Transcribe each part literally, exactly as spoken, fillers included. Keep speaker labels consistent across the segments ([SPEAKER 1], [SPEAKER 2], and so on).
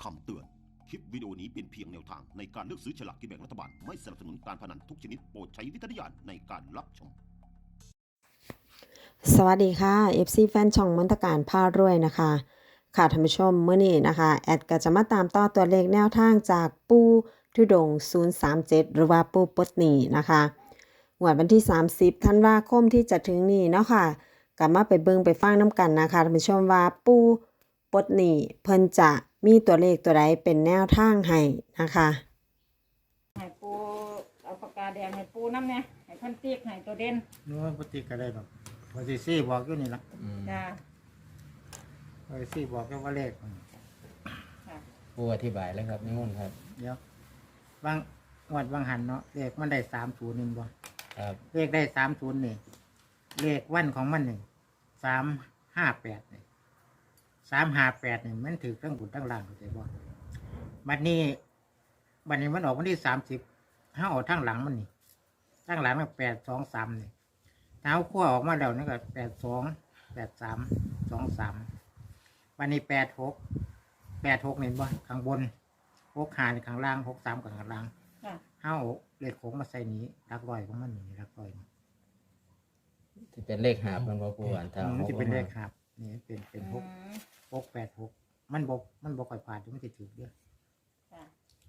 [SPEAKER 1] คำเตือน คลิปวิดีโอนี้เป็นเพียงแนวทางในการเลือกซื้อฉลากกินแบ่งรัฐบาล ไม่สนับสนุนการพนันทุกชนิดโปรดใช้วิจารณญาณในการรับชม
[SPEAKER 2] สวัสดีค่ะ เอฟ ซี แฟนช่องมนตการพารวยนะคะ ค่ะท่านผู้ชมมื้อนี้นะคะ แอดก็จะมาตามต่อตัวเลขแนวทางจากปูทุดงค์ศูนย์สามเจ็ด หรือว่าปูปลดหนี้นะคะงวดวันที่ สามสิบ ธันวาคมที่จะถึงนี้เนาะค่ะก็มาไปเบิ่งไปฟังน้ำกันนะคะท่านผู้ชมว่าปูปลดหนี้เพิ่นจะมีตัวเลขตัวใดเป็นแนวทางให้นะคะ
[SPEAKER 3] ให้ปูเอาปากกาแดงให้ปูน้ำเนี่ยให้เพันตีกให้ตัวเด่น
[SPEAKER 4] นู้นปฏิก็ได้หรอกพอสิซี่บอกอยู่นี่ละ
[SPEAKER 3] จ้า
[SPEAKER 4] พอสิซี่บอกแค่ว่าเลข
[SPEAKER 3] ค่ะ
[SPEAKER 5] ผู้อธิบายแล้วครับนิมนต์ครับ
[SPEAKER 4] เดี๋ยวบางงวดบางหันเนาะเลขมันได้สามศูนย์หนึ่งบ่
[SPEAKER 5] ครับ
[SPEAKER 4] เลขได้สามศูนย์นี่เลขวันของมันหนึ่งสามห้าแปดนี่สามห้าแปดนี่มันถือทั้งบุญทั้งล่างเข้าใจบ่บัดนี้บัดนี้มันออกวันที่สามสิบห้าออกทั้งหลังมันนี่ทั้งหลังมันแปดสองสามนี่เท้าขั้วออกมาแล้วนี่ก็แปดสองแปดสามสองสามวันนี้แปดหกแปดหกเห็นบ่ข้างบนหกหาในข้างล่างหกสามกับข้างล่าง
[SPEAKER 3] ค่ะ
[SPEAKER 4] ห้าเลขโค้งมาใส่นี้รักร้อยของมันนี่รักร้อยนี่
[SPEAKER 5] ที่เป็นเลขหาบมันบ่ผู้อ่านทาง
[SPEAKER 4] มันจะเป็นเลขครับนี่เป็นเป็นหก
[SPEAKER 3] อืม
[SPEAKER 4] หกแปดหกมันบกมันบกค่อยผ่านมันจะถือเยอะ
[SPEAKER 3] ค่ะ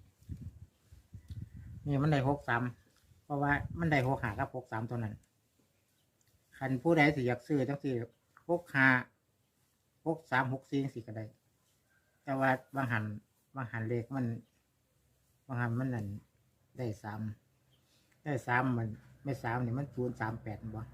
[SPEAKER 4] นี่มันได้หกสามเพราะว่ามันได้หกหากับหกสามตัวนั้นคันผู้ใดสิอยากซื้อจังสี่หกหาหกสามหกสี่สี่ก็ได้ แต่ว่าบางหันบางหันเลขมันบางหันมันนั่นได้สามได้สามมันไม่สามนี่มันศูนย์สามแปดบ่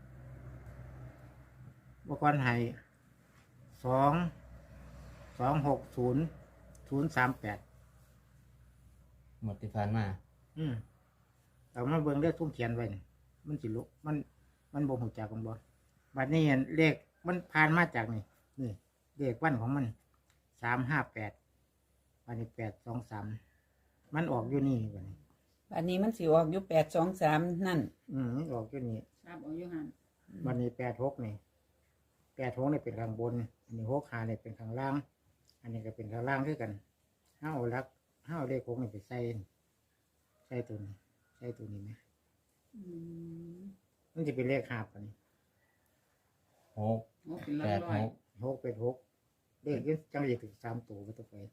[SPEAKER 4] บกรให้สองสองหกศูนย์ศูนย์สามแปด
[SPEAKER 5] หมดที่ผ่านมา
[SPEAKER 4] อืมแต่มาเบิ่งเลขทุ่มเขียนไว้นี่มันสิลุกมัน มันบ่หูจักกันบ่บัดนี้เห็นเลขมันผ่านมาจากนี่นี่เลขวันของมันสามห้าแปดบัดนี้แปดสองสามมันออกอยู่นี่บัดนี้
[SPEAKER 6] อันนี้มันสิออกอยู่แปดสองสามนั่น
[SPEAKER 4] อืมมันออกอยู่นี่
[SPEAKER 3] ทราบเอาอยู่หัน
[SPEAKER 4] บัดนี้แปดหกนี่แปดหกนี่เป็นข้างบน อันนี้หกห้านี่เป็นข้างล่าง อันนี้ก็เป็นข้างล่างคือกันห้าเอาลักห้าเอาเลขหกนี่ไปใส่ใส่ตัวนี้ใส่ตัวนี้ไหม
[SPEAKER 3] อืม
[SPEAKER 4] มันจะเป็นเลขหาบอันนี้
[SPEAKER 5] หก
[SPEAKER 3] โอ้เป็นร้
[SPEAKER 5] แป
[SPEAKER 3] อย
[SPEAKER 5] ด
[SPEAKER 3] ร้อ
[SPEAKER 5] ห
[SPEAKER 3] ย
[SPEAKER 5] ก
[SPEAKER 4] หกเป็นหกเลขยังจังจะถึงสามตัวก็ต้องไป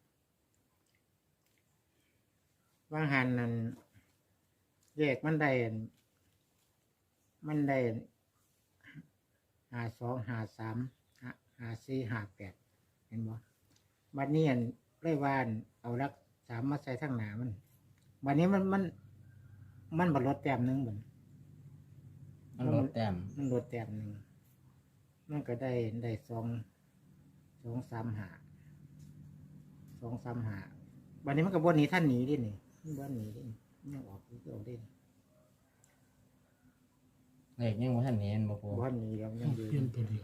[SPEAKER 4] ว่างหันนั้นเลขมันได้อันมันได้หาสองหาสามหาหาสี่หาแปดเห็นบ่บัดนี้อันไล่วานเอารักสามมาใส่ทั้งหนามันบัดนี้มันมันมันบรลดแต้มหนึงเหมือน
[SPEAKER 5] มันลดแต้ม
[SPEAKER 4] มันลดแต้มหนึ่งมันก็ได้ได้สองสองสามหาสองสามหาวันนี้มันก็บนหนีท่านหนีดินี่มันบนหนีดิยังออกคือออกดิ
[SPEAKER 5] เลขยังบ่ทันเห็นบ่ผู้
[SPEAKER 4] บนหนีแล้วยังอยู่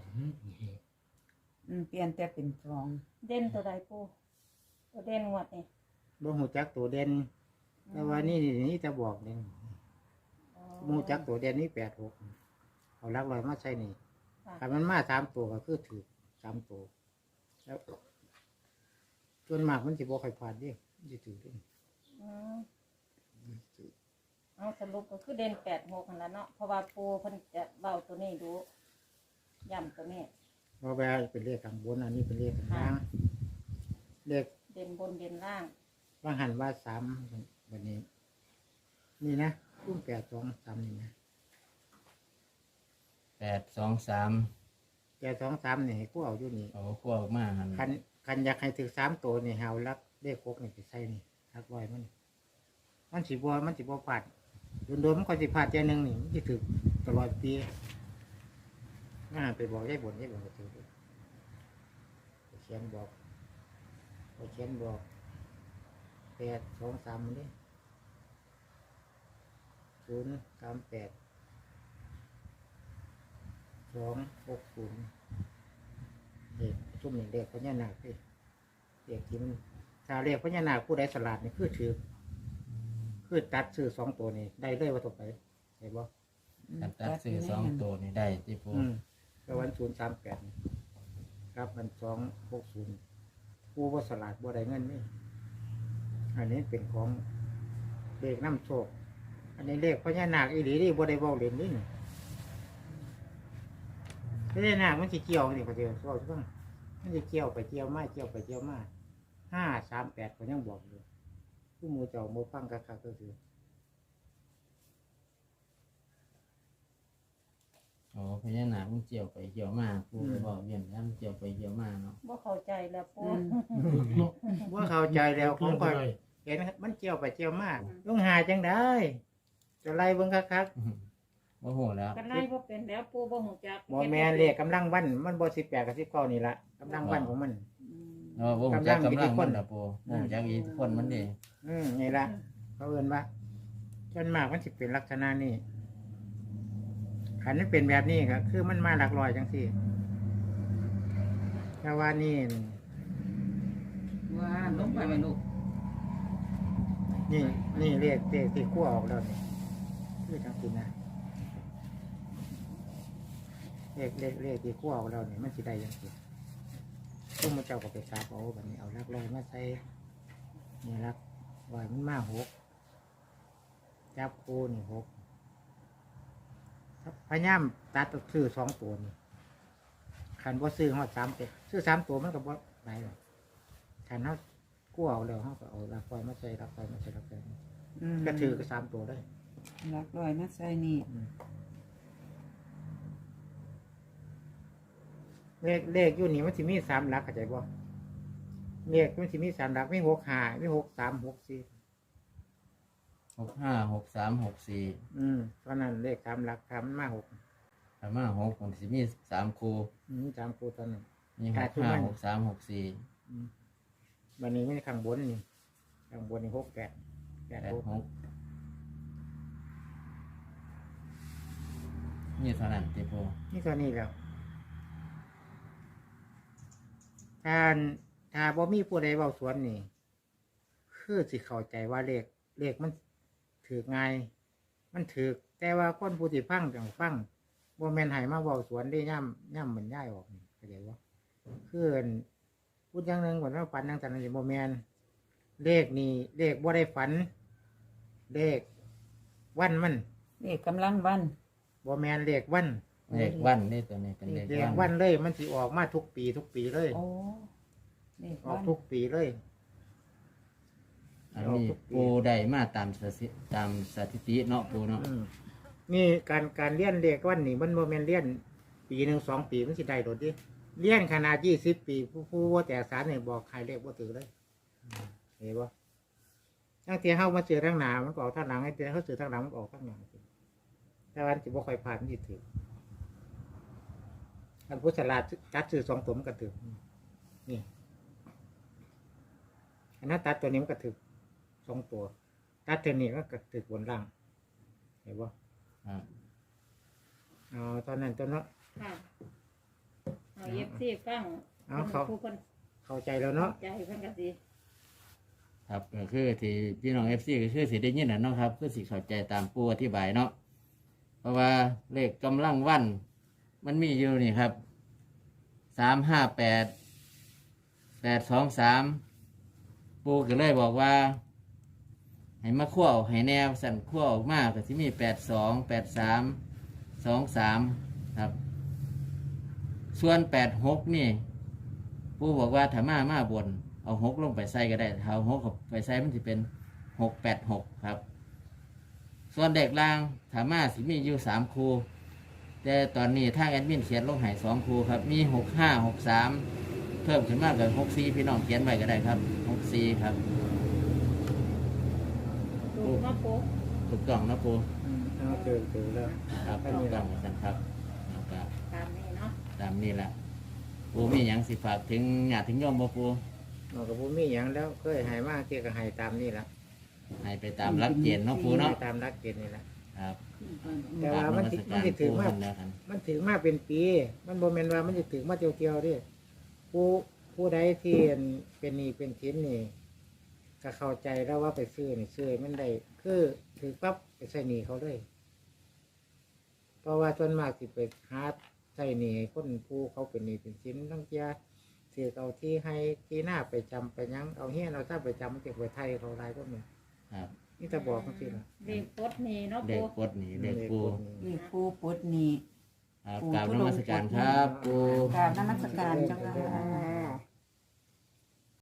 [SPEAKER 6] อืมเปลี่ยนแต่เป็นสอง
[SPEAKER 3] เด่นตัวใดปูตัวเด่นงวดนี่
[SPEAKER 4] บ่หูจักตัวเด่นแต่ว่านี่นี่จะบอกเด่น
[SPEAKER 3] อ๋อ
[SPEAKER 4] บ่หูจักตัวเด่นนี่แปดหกเอาลักลอยมาใช่นี่
[SPEAKER 3] ค่ะ
[SPEAKER 4] ถ้ามันมาสามตัวก็คือถือสามตัวแล้วส่วนมากมันจะบอกใครผ่านดิมันจะถือดิ
[SPEAKER 3] อืมเอาสรุปก็คือเด่นแปดหกนั่นแหละเนาะเพราะว่าปูเพิ่นจะเบาตัวนี้ดูย่ำตัวนี้
[SPEAKER 4] เพราะว่าเป็นเลขข้างบนอันนี้เป็นเลขข้างล่างเลข
[SPEAKER 3] เด่นบนเด่นล่าง
[SPEAKER 4] ว่าหันว่าสามวันนี้ นี่นะรุ่มแปดสองสามนี่นะ
[SPEAKER 5] แปดสองสาม
[SPEAKER 4] แปดสองสามนี่กูเอาอยู่นี่
[SPEAKER 5] เอาขั้วออกมาหัน
[SPEAKER 4] คันคันอยากให้ถึงสามตัวนี่เฮารักเลขหกนี่ไปใส่นี่รักไว้มัน มันสิบัวมันสิบัวผาดโดนๆมันก็สิผาดเจนึงนี่มันสิถึงตลอดปีน่าไปบอกยายบ่นยายบ่นก็ถือไปเขียนบอกไปเขียนบอกแปดสองสามมันดิศูนย์สามแปดสองหกศูนย์เด็กชุ่มหนึ่งเด็กพญานาคพี่เด็กที่มันถ้าเรียกพญานาคผู้ใดสลัดนี่คือถือคือตัดซื้อสองตัวนี่ได้เลยว่าต่อไปเห็นบ่
[SPEAKER 5] กันตัดซื้อสองตัวนี่ได้ที่ผู้
[SPEAKER 4] อืมก็วันศูนย์สามแปดครับมันสองหกศูนย์ปูบ่สลาดบ่ได้เงินนี่อันนี้เป็นของเลขน้ำโชคอันนี้เลขพญานาคอีหลีนี่บ่ได้เว้าเล่นนี่พญานาคมันสิเกี่ยวนี่ก็สิเว้าจังมันสิเกี่ยวไปเกี่ยวมาเกี่ยวไปเกี่ยวมาห้าสามแปดก็ยังบอกอยู่ผู้หมู่เจ้าหมู่ฟังคักๆก็คือ
[SPEAKER 5] อ๋อพญานาคมันเกี่ยวไปเกี่ยวมาปูก็บอกเย็นแล้วมันเกี่ยวไปเกี่ยวมาเนาะ
[SPEAKER 3] บ่เข้าใจแล้วปู
[SPEAKER 4] ว่าเข้าใจแล้วผมก็เห็นมันเกี่ยวไปเกี่ยวมาลุงหาจังได้จะไล่เบิ่งคัก
[SPEAKER 5] โอ้โหแล้ว
[SPEAKER 3] กันไล่บ่เป็นแล้วปูบ่ฮู้จัก
[SPEAKER 4] ๆบ่แม่นเลขกำลังวันมันบ่สิบแปดกับสิบเก้านี่ละกำลังวันของมัน
[SPEAKER 3] อืม
[SPEAKER 5] เออวงจักกำลังมันนะปูวงจักอีกคนมันนี่
[SPEAKER 4] อืมนี่ละเขาเอิ้นว่าจนมากมันสิเป็นลักษณะนี้ขันมันเป็นแบบนี้ก็คือมันมาหลักร้อยจังซี่แต่ว่านี่
[SPEAKER 6] ว่าลงไปไหมลูก
[SPEAKER 4] นี่นี่เลขเลขที่คั่วออกแล้วนี่คือจังซี่นะเลขเลขเลขที่คั่วออกแล้วนี่มันสิได้จังซี่ซึ่งมันเจ้าก็ไปซับเอาแบบนี้เอาหลักร้อยมาใส่นี่หลักร้อยมันมาหกจับคู่นี่หกพยายามตัดซื้อสองตัวนี่ขันว่าซื้อหอดสามตัวซื้อสามตัวมันก็บ่ไหนหรอกขันเขากู้เอาแล้วเขาก็เอาหลักร้อยมาใส่หลักร้อยมาใส่หลักร้อยมา
[SPEAKER 6] อืม
[SPEAKER 4] ก็ถือก็สามตัวได้
[SPEAKER 6] หลักร้อยมาใส่นี่
[SPEAKER 4] เลขเลขอยู่นี่มันสิมีสามหลักเข้าใจบ่เลขมันสิมีสามหลักมีหกห้ามีหกสามหกสี่
[SPEAKER 5] หกห้าหกสามหกสี่
[SPEAKER 4] อืมเพราะนั้นเลขสามหลักทำมาหก
[SPEAKER 5] สามห้าหกมันสิมีสามคู
[SPEAKER 4] อืมสามคู่ตอนนั้น
[SPEAKER 5] มีห
[SPEAKER 4] ขาด
[SPEAKER 5] ก
[SPEAKER 4] ทุน
[SPEAKER 5] ห้า
[SPEAKER 4] มัน
[SPEAKER 5] หกสามหกสี่
[SPEAKER 4] อืมวันนี้ไม่ข้างบนนี่ข้างบนนี่หกแปดแปด
[SPEAKER 5] แปด
[SPEAKER 4] หก
[SPEAKER 5] หกนี่เท่านั้นติปู
[SPEAKER 4] นี่ตัวนี้แล้วถ้าถ้าบ่มีผู้ใดเว้าสวนนี่คือสิเข้าใจว่าเลขเลขมันถือง่ายมันถือแต่ว่าคนผู้ที่ฟังจังฟังบ่แม่นให้มาเว้าสวนได้ย่ำย่ำเหมือนย้ายออกนี่เข้าใจบ่คืออั่นพูดอย่างหนึงก่อนว่าฝันจังซั่นนี่บ่แม่นเลขนี่เลขบ่ได้ฝันเลขวันมัน
[SPEAKER 6] เลขกำลังวัน
[SPEAKER 4] บ่แม่นเลขวัน
[SPEAKER 5] เลขวันนี่ตัวนี้เป็นเลข
[SPEAKER 4] เลข
[SPEAKER 5] วั
[SPEAKER 4] วัน นเลยมันสิออกมาทุกปีทุกปีเลย
[SPEAKER 6] โอ้เลข
[SPEAKER 4] ออ
[SPEAKER 6] วั
[SPEAKER 4] ก
[SPEAKER 6] น
[SPEAKER 4] ทุกปีเลย
[SPEAKER 5] อันนี้ปูได้มาตามสถิตามสถิติเนาะปูเนาะ
[SPEAKER 4] อืมนี่การการเลี้ยนเลขวันนี่มันโมเมนเลี้ยนปีหนึ่งสองปีมันสิได้โดดดิเลี้ยนขนาดยี่สิบปีผู้ผู้ว่าแต่สารเนี่ยบอกใครเลขว่าถือเลยเห็นปะตั้งแต่เข้ามาเจอทางหนามันก็ออกทางหลังไอ้เจอเขาเจอทางหลังมันก็ออกทางหลังแต่วันที่บ่ค่อยผ่านมันสิถืออันพุทธลาดตัดซื้อสองตัวมันก็ถือนี่อันนั้นตัดตัวนี้มันก็ถือสองตัวตัดตัวนี้ก็ถือบนล่างเห็นปะ
[SPEAKER 5] ครับ
[SPEAKER 4] อ๋อตอนนั้นตอนนั้น
[SPEAKER 3] ค่ะเอาเย็บซี่ฟัง
[SPEAKER 4] เอาเขา
[SPEAKER 3] ผู้คน
[SPEAKER 4] เข้าใจแล้วเนาะ
[SPEAKER 3] ใจเพิ่นก็สิ
[SPEAKER 5] ครับก็คือที่พี่น้องเอฟซีก็คือสิได้ยินนะเนาะครับคือสิเข้าใจตามปูอธิบายเนาะเพราะว่าเลขกำลังวัน มันมีอยู่นี่ครับสามห้าแปดแปดสองสามปูก็เลยบอกว่า ให้มาขั้วออกให้แนวสั่นขั้วออกมากก็ที่มีแปดสองแปดสามสองสามครับ ส่วนแปดหกนี่ปูบอกว่าถ้ามามาบน เอาหกลงไปใส่ก็ได้ถ้าเอาหกไปใส่มันจะเป็นหกแปดหกครับ ส่วนเด็กล่างถามาสิมีอยู่สามคูแต่ตอนนี้ทางแอดมินเขียนลงให้สองคูครับ มีหกห้าหกสามเพิ่มขึ้นมากกับหกสี่พี่น้องเขียนไว้ก็ได้ครับหกสี่ครับ
[SPEAKER 3] ดูมาปู
[SPEAKER 5] ถูกต้องนะปู
[SPEAKER 4] อืมเอาเจอเจอแล้ว
[SPEAKER 5] ครับถูกต้องกันครับแล้วก็
[SPEAKER 3] ตามนี้เนาะ
[SPEAKER 5] ตามนี้แหละปูมีอย่างสิฝากถึงญาติถึงโยมบ่ปู
[SPEAKER 4] เราก็บ่มีหยังแล้วเคยใหายมากเกี่ยก็ใหายตามนี่ละ
[SPEAKER 5] ให้ไปตามหลักเกณฑ์เนาะปูเนาะ
[SPEAKER 4] ตามรักเกณฑ์นี่ละ
[SPEAKER 5] ครับ
[SPEAKER 4] แต่ว่ามันสิมันสิถึงมาก
[SPEAKER 5] แล้วกัน
[SPEAKER 4] มันถึงมาเป็นปี มันบ่แม่นว่ามันจะถึงมาเที่ยวๆเดิผู้ผู้ใดที่เป็นหนี้เป็นสินนี่ก็เข้าใจแล้วว่าไปซื้อนี่ซื้อมันได้คือถือปั๊บไปใส่หนี้เขาเลย เพราะว่าส่วนมากสิไปหาใส่หนี้ให้คนผู้เขาเป็นหนี้เป็นสินต้องเจียถือเอาที่ให้ที่หน้าไปจำไปยังเอาเฮียนเอาถ้าไปจำมันจะไปไทยเขาไรก็มี
[SPEAKER 5] ครับ
[SPEAKER 4] นี่จะบอกเขาสิล่ะ
[SPEAKER 3] เด็กปลดหนี้เนาะ
[SPEAKER 5] เด็
[SPEAKER 3] ปู
[SPEAKER 5] กปลดหนีเด็กปู
[SPEAKER 6] เลขปูปลดหนี้
[SPEAKER 5] ครับ
[SPEAKER 6] ปู่
[SPEAKER 5] กราบ
[SPEAKER 6] ทุ
[SPEAKER 5] น
[SPEAKER 6] ดงค์
[SPEAKER 5] มัสการครับปู
[SPEAKER 6] กราบนมัสการเจ้าค่ะ